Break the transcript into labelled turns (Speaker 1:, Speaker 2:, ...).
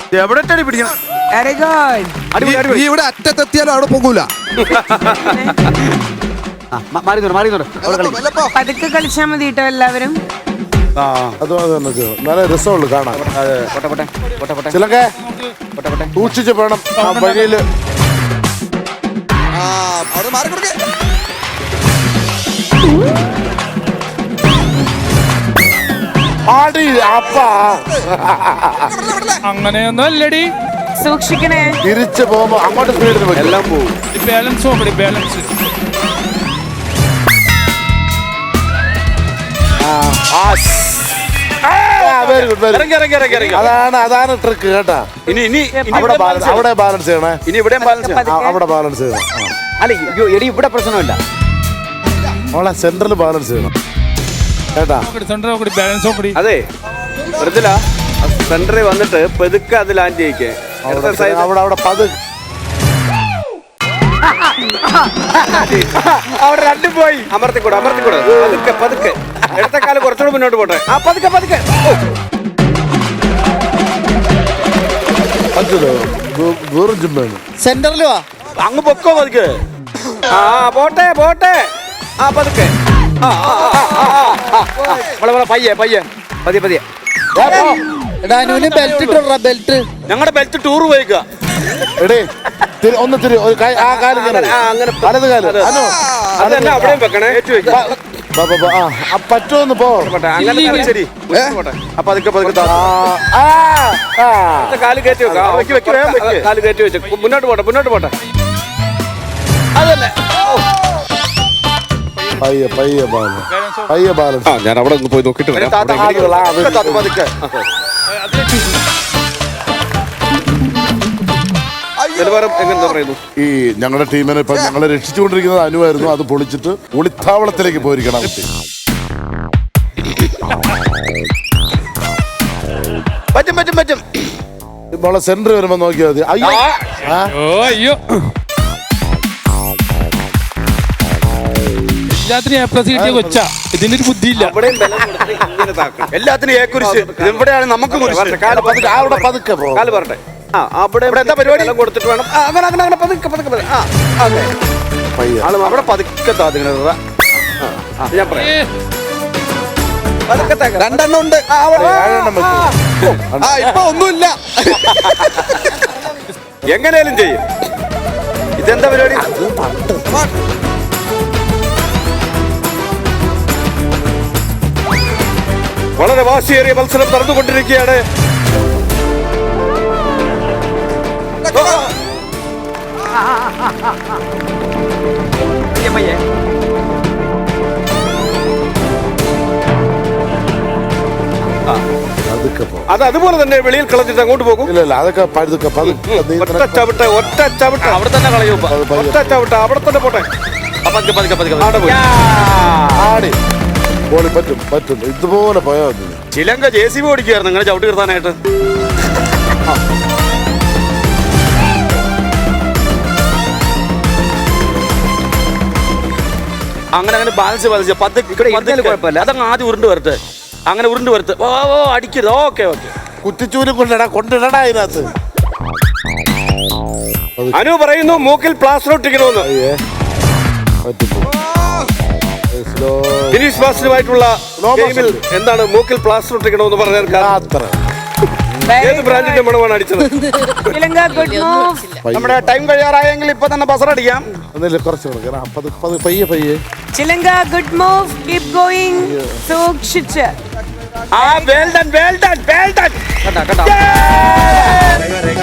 Speaker 1: എവിടെ പിടിക്കണം?
Speaker 2: Very good.
Speaker 3: നീ ഇവിടെ അറ്റത്തെത്തിയാലും അവിടെ പോകൂല.
Speaker 2: പതുക്കെ കളിച്ചാ മതി കേട്ടോ എല്ലാവരും.
Speaker 4: അത് നല്ല രസമുള്ളു കാണാൻ. ചിലക്കെ സൂക്ഷിച്ച് വേണം ആ വഴിയില്.
Speaker 3: അവിടെ മാറി കൊടുക്കേ.
Speaker 4: ആടി അപ്പ
Speaker 5: അങ്ങനെയൊന്നും അല്ലടി.
Speaker 2: സൂക്ഷിക്കണേ.
Speaker 4: തിരിച്ചു പോകുമ്പോ അങ്ങോട്ട് സ്പീഡിന് പറ്റും. എല്ലാം പോകും.
Speaker 5: ബാലൻസ് നോക്കടി, ബാലൻസ്.
Speaker 4: അതാണ് ട്രിക്ക് കേട്ടാ. അവിടെ ബാലൻസ് ചെയ്യണേ.
Speaker 1: ഇനി ഇവിടെ
Speaker 4: അവിടെ ബാലൻസ് ചെയ്യണം.
Speaker 1: അല്ല ഇവിടെ പ്രശ്നമില്ല.
Speaker 4: അവളെ സെന്ററിൽ ബാലൻസ് ചെയ്യണം കേട്ടാ.
Speaker 5: ബാലൻസ് നോക്കടി.
Speaker 1: അതെ വെറുതെ സെന്ററിൽ വന്നിട്ട് പെതുക്കെ അത് ലാൻഡ് ചെയ്യിക്കേ.
Speaker 4: അവിടെ
Speaker 1: അവിടെ രണ്ടും പോയി. അമർത്തിക്കൂടെ പതുക്കെ പതുക്കെ. ഇടത്തെ കാലം കുറച്ചുകൂടെ മുന്നോട്ട് പോട്ടെ. ആ പതുക്കെ പതുക്കെ.
Speaker 3: സെന്ററിൽ വാ.
Speaker 1: അങ്ങ് പൊക്കോ പതുക്കെ. ആ പോട്ടെ പോട്ടെ. ആ പതുക്കെ. പയ്യെ പയ്യെ പതിയെ പതിയെ.
Speaker 3: ബെൽറ്റ് ഇട്ടോ, ബെൽറ്റ്.
Speaker 1: ഞങ്ങളുടെ ബെൽറ്റ് ടൂർ പോയിക്കുക.
Speaker 4: ഒന്ന് തിരി ആ കാലം വലത് കാലം
Speaker 1: അതല്ല അവിടെയും വെക്കണേ.
Speaker 4: പറ്റുമെന്ന് പോ.
Speaker 1: അങ്ങനെ ശരി അപ്പൊ അതൊക്കെ കാല് കയറ്റി വെക്കാം. കാല് കയറ്റി വെച്ച് മുന്നോട്ട് പോട്ടെ മുന്നോട്ട് പോട്ടെ. അതന്നെ
Speaker 4: പയ്യെ ബാലൻസ്.
Speaker 1: ഞാൻ അവിടെ ഒന്ന് പോയി നോക്കിട്ട് വരാം.
Speaker 4: ഈ ഞങ്ങളുടെ ടീമിനെ ഇപ്പൊ ഞങ്ങളെ രക്ഷിച്ചുകൊണ്ടിരിക്കുന്നത് അനുവായിരുന്നു. അത് പൊളിച്ചിട്ട് ഒളിത്താവളത്തിലേക്ക് പോയിരിക്കണം കുട്ടി.
Speaker 1: പറ്റും.
Speaker 4: ഇപ്പോൾ സെന്റർ വരുമ്പോ നോക്കിയാൽ മതി.
Speaker 5: അയ്യോ എല്ലാത്തിനും A+ കിട്ടിയ കൊച്ചാ. ഇതിന്റെ ഒരു ബുദ്ധിയില്ല.
Speaker 1: എല്ലാത്തിനും ഏക്കുരിശ്. ഇവിടെയാണ് നമുക്ക്
Speaker 4: അവിടെ പതുക്കെ
Speaker 1: കാല് പറട്ടെ. അവിടെ എന്താ പരിപാടി കൊടുത്തിട്ട് വേണം. അങ്ങനെ പതുക്കെ അവിടെ പതുക്കെ ഞാൻ പറയാം.
Speaker 3: രണ്ടെണ്ണം ഉണ്ട്. ഇപ്പൊ ഒന്നുമില്ല.
Speaker 1: എങ്ങനെയാലും ചെയ്യും. ഇതെന്താ പരിപാടി? വളരെ വാശിയേറിയ മത്സരം നടന്നുകൊണ്ടിരിക്കുകയാണ്. അത് അതുപോലെ തന്നെ വെളിയിൽ കളഞ്ഞിട്ട് അങ്ങോട്ട് പോകും.
Speaker 4: ഇല്ല അതൊക്കെ
Speaker 1: ഒറ്റ ചവിട്ട് അവിടെ തന്നെ കളയും. ഒറ്റ ചവിട്ട് അവിടെ തന്നെ പോട്ടെ.
Speaker 4: പറ്റും ഇതുപോലെ പോയാൽ മതി.
Speaker 1: ചിലങ്ക JCB ഓടിക്കുകയായിരുന്നു നിങ്ങളെ ചവിട്ടി നിർത്താനായിട്ട്. അങ്ങനെ ബാലൻസ് കുഴപ്പമില്ല. അതങ്ങ് ആദ്യം ഉരുണ്ട് വരട്ടെ. അങ്ങനെ ഉരുണ്ട് വരട്ടെ. ഓ അടിക്കരുത്. ഓക്കെ
Speaker 4: കുറ്റിച്ചൂരും കൊണ്ടിടടാ അതിനകത്ത്.
Speaker 1: അനു പറയുന്നു മൂക്കിൽ പ്ലാസ്റ്റർ ഒട്ടിക്കണമെന്ന്. ഫിനിഷ് മാസ്റ്ററുമായിട്ടുള്ള ഗെയിമിൽ എന്താണ് മൂക്കിൽ പ്ലാസ്റ്റർ ഒട്ടിക്കണമെന്ന് പറഞ്ഞാൽ ഏത് ബ്രാൻഡിന്റെ മണമാണ് അടിച്ചത്? നമ്മുടെ ടൈം കഴിയാറായെങ്കിൽ ഇപ്പൊ തന്നെ ബസറടിക്കാം.
Speaker 4: പയ്യെ
Speaker 2: ചിലങ്ക ഗുഡ് മൂവ്. Keep going. സൂക്ഷിച്ച്.
Speaker 1: Well done.